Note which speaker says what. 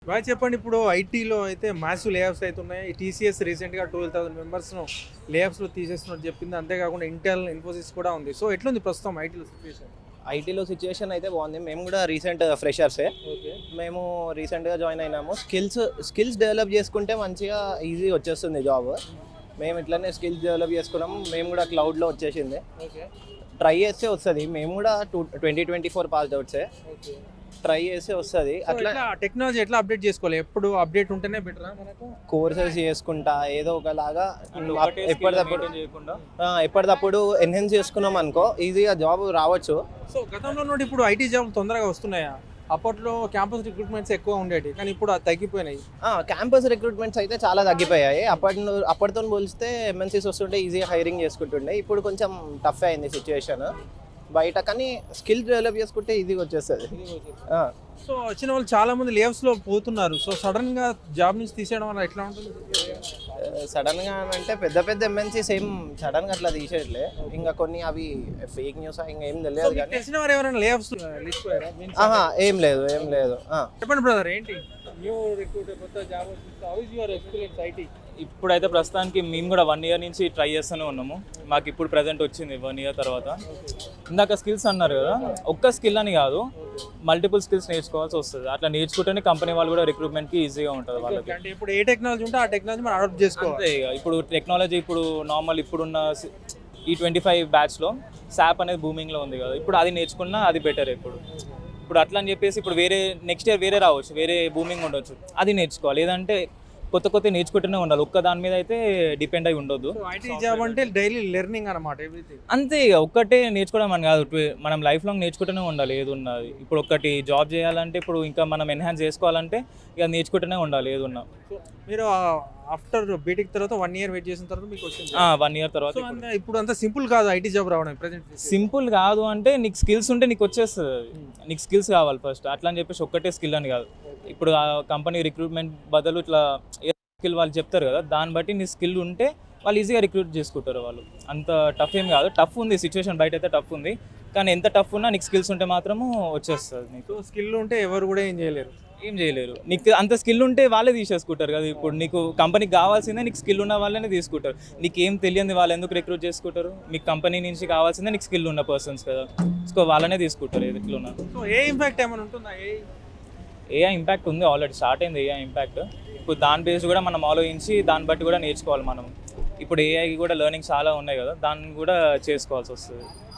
Speaker 1: బాగా చెప్పండి. ఇప్పుడు ఐటీలో అయితే మాసివ్ లేఆఫ్స్ అవుతున్నాయి. ఈ టీసీఎస్ రీసెంట్గా 12,000 మెంబర్స్ను లేఆఫ్స్లో తీసేస్తున్నట్టు చెప్పింది. అంతేకాకుండా ఇంటెల్, ఇన్ఫోసిస్ కూడా ఉంది. సో ఎట్లుంది ప్రస్తుతం ఐటీలో సిచ్యువేషన్?
Speaker 2: ఐటీలో సిచ్యుయేషన్ అయితే బాగుంది. మేము కూడా రీసెంట్ ఫ్రెషర్సే.
Speaker 1: ఓకే.
Speaker 2: మేము రీసెంట్గా జాయిన్ అయినాము. స్కిల్స్ డెవలప్ చేసుకుంటే మంచిగా ఈజీ వచ్చేస్తుంది జాబ్. మేము ఇట్లనే స్కిల్స్ డెవలప్ చేసుకున్నాము. మేము కూడా క్లౌడ్లో వచ్చేసింది.
Speaker 1: ఓకే.
Speaker 2: ట్రై చేస్తే వస్తుంది. మేము కూడా 2024 పాస్డ్ అవుట్సే.
Speaker 1: ఓకే.
Speaker 2: ట్రై చేస్తే వస్తుంది.
Speaker 1: అట్లా
Speaker 2: అట్లా
Speaker 1: టెక్నాలజీ ఎట్లా అప్డేట్ చేసుకోవాలి? ఎప్పుడు అప్డేట్ ఉంటేనే బెటరా మనకు?
Speaker 2: కోర్సెస్ చేసుకుంటా ఏదో ఒకలాగా ఎప్పటికప్పుడు
Speaker 3: చేయకుండా
Speaker 2: ఎప్పటికప్పుడు ఎన్హాన్స్ చేసుకున్నాం అనుకో ఈజీగా జాబ్ రావచ్చు.
Speaker 1: సో గతంలో నుండి ఇప్పుడు ఐటీ జాబ్ తొందరగా వస్తున్నాయా? అప్పట్లో క్యాంపస్ రిక్రూట్మెంట్స్ ఎక్కువ ఉండేవి, కానీ ఇప్పుడు అది తగ్గిపోయినాయి.
Speaker 2: క్యాంపస్ రిక్రూట్మెంట్స్ అయితే చాలా తగ్గిపోయాయి. అప్పటితో పోలిస్తే ఎంఎన్సీస్ వస్తుంటే ఈజీగా హైరింగ్ చేసుకుంటుండే. ఇప్పుడు కొంచెం టఫ్ అయింది సిచ్యువేషన్ బయట, కానీ స్కిల్ డెవలప్ చేసుకుంటే ఈజీగా వచ్చేస్తుంది.
Speaker 1: సో వచ్చిన వాళ్ళు చాలా మంది లేవ్స్ లో పోతున్నారు. సో సడన్ గా జాబ్ నుంచి తీసేయడం వల్ల ఎట్లా ఉంటుంది?
Speaker 2: సడన్ గా అంటే పెద్ద పెద్ద ఎంఎన్సీస్ ఏం సడన్ గా అట్లా తీసేయట్లే. ఇంకా కొన్ని అవి ఫేక్ న్యూస్ ఇంకా ఏం తెలియదు కానీ
Speaker 1: తెలిసిన వారు ఎవరైనా లేవ్స్ లిస్ట్
Speaker 2: ఏం లేదు.
Speaker 1: చెప్పండి బ్రదర్, ఏంటి న్యూ రిక్రూటర్ కొత్త జాబ్ వచ్చింది? How is your experience IT?
Speaker 3: ఇప్పుడైతే ప్రస్తుతానికి మేము కూడా 1 year నుంచి ట్రై చేస్తూనే ఉన్నాము. మాకు ఇప్పుడు ప్రజెంట్ వచ్చింది 1 year తర్వాత. ఇందాక స్కిల్స్ అన్నారు కదా, ఒక్క స్కిల్ అని కాదు, మల్టిపుల్ స్కిల్స్ నేర్చుకోవాల్సి వస్తుంది. అట్లా నేర్చుకుంటేనే కంపెనీ వాళ్ళు కూడా రిక్రూట్మెంట్కి ఈజీగా ఉంటుంది వాళ్ళకి.
Speaker 1: అంటే ఇప్పుడు ఏ టెక్నాలజీ ఉంటే ఆ టెక్నాలజీ మనం అడాప్ట్ చేసుకోవాలి.
Speaker 3: అంతే ఇక ఇప్పుడు టెక్నాలజీ ఇప్పుడు నార్మల్ ఇప్పుడున్న ఈ 25 బ్యాచ్లో SAP అనేది బూమింగ్లో ఉంది కదా, ఇప్పుడు అది నేర్చుకున్నా అది బెటర్. ఇప్పుడు అట్లా అని చెప్పేసి ఇప్పుడు వేరే నెక్స్ట్ ఇయర్ వేరే రావచ్చు, వేరే బూమింగ్ ఉండొచ్చు, అది నేర్చుకోవాలి. లేదంటే కొత్త నేర్చుకుంటూనే ఉండాలి. ఒక్క దాని మీద అయితే డిపెండ్ అయి ఉండొద్దు.
Speaker 1: ఐటీ జాబ్ అంటే డైలీ లెర్నింగ్ అనమాట, ఎవ్రీథింగ్.
Speaker 3: అంతే ఇక ఒక్కటే నేర్చుకోవడం అని కాదు, మనం లైఫ్ లాంగ్ నేర్చుకుంటూనే ఉండాలి ఏది ఉన్నది. ఇప్పుడు ఒకటి జాబ్ చేయాలంటే, ఇప్పుడు ఇంకా మనం ఎన్హాన్స్ చేసుకోవాలంటే ఇక నేర్చుకుంటూనే ఉండాలి ఏది ఉన్నా.
Speaker 1: మీరు ఆఫ్టర్ బీటెక్ తర్వాత 1 year వెయిట్ చేసిన తర్వాత మీకు వచ్చింది.
Speaker 3: 1 year తర్వాత
Speaker 1: ఇప్పుడు అంత సింపుల్ కాదు ఐటీ జాబ్ రావడం ప్రెజెంట్.
Speaker 3: సింపుల్ కాదు అంటే నీకు స్కిల్స్ ఉంటే నీకు వచ్చేస్తుంది అది. నీకు స్కిల్స్ కావాలి ఫస్ట్. అట్లా అని చెప్పేసి ఒక్కటే స్కిల్ అని కాదు. ఇప్పుడు ఆ కంపెనీ రిక్రూట్మెంట్ బదులు ఇట్లా స్కిల్ వాళ్ళు చెప్తారు కదా, దాన్ని బట్టి నీ స్కిల్ ఉంటే వాళ్ళు ఈజీగా రిక్రూట్ చేసుకుంటారు వాళ్ళు. అంత టఫ్ ఏం కాదు. టఫ్ ఉంది సిచ్యువేషన్, బయట అయితే టఫ్ ఉంది, కానీ ఎంత టఫ్ ఉన్నా నీకు స్కిల్స్ ఉంటే మాత్రము వచ్చేస్తుంది. నీకు
Speaker 1: స్కిల్ ఉంటే ఎవరు కూడా ఏం చేయలేరు.
Speaker 3: నీకు అంత స్కిల్ ఉంటే వాళ్ళే తీసేసుకుంటారు కదా. ఇప్పుడు నీకు కంపెనీకి కావాల్సిందే నీకు స్కిల్ ఉన్న వాళ్ళనే తీసుకుంటారు. నీకు ఏం తెలియదు వాళ్ళు ఎందుకు రిక్రూట్ చేసుకుంటారు? మీకు కంపెనీ నుంచి కావాల్సిందే నీకు స్కిల్ ఉన్న పర్సన్స్ కదా, సో వాళ్ళనే తీసుకుంటారు ఎట్లా ఉన్నా.
Speaker 1: సో ఏ ఇంపాక్ట్ ఏమైనా ఉంటుందా?
Speaker 3: ఏఐ ఇంపాక్ట్ ఉంది, ఆల్రెడీ స్టార్ట్ అయింది ఏఐ ఇంపాక్ట్. ఇప్పుడు దాని బేస్ కూడా మనం ఆలోచించి దాన్ని బట్టి కూడా నేర్చుకోవాలి మనం. ఇప్పుడు ఏఐకి కూడా లెర్నింగ్ చాలా ఉన్నాయి కదా, దాన్ని కూడా చేసుకోవాల్సి వస్తుంది.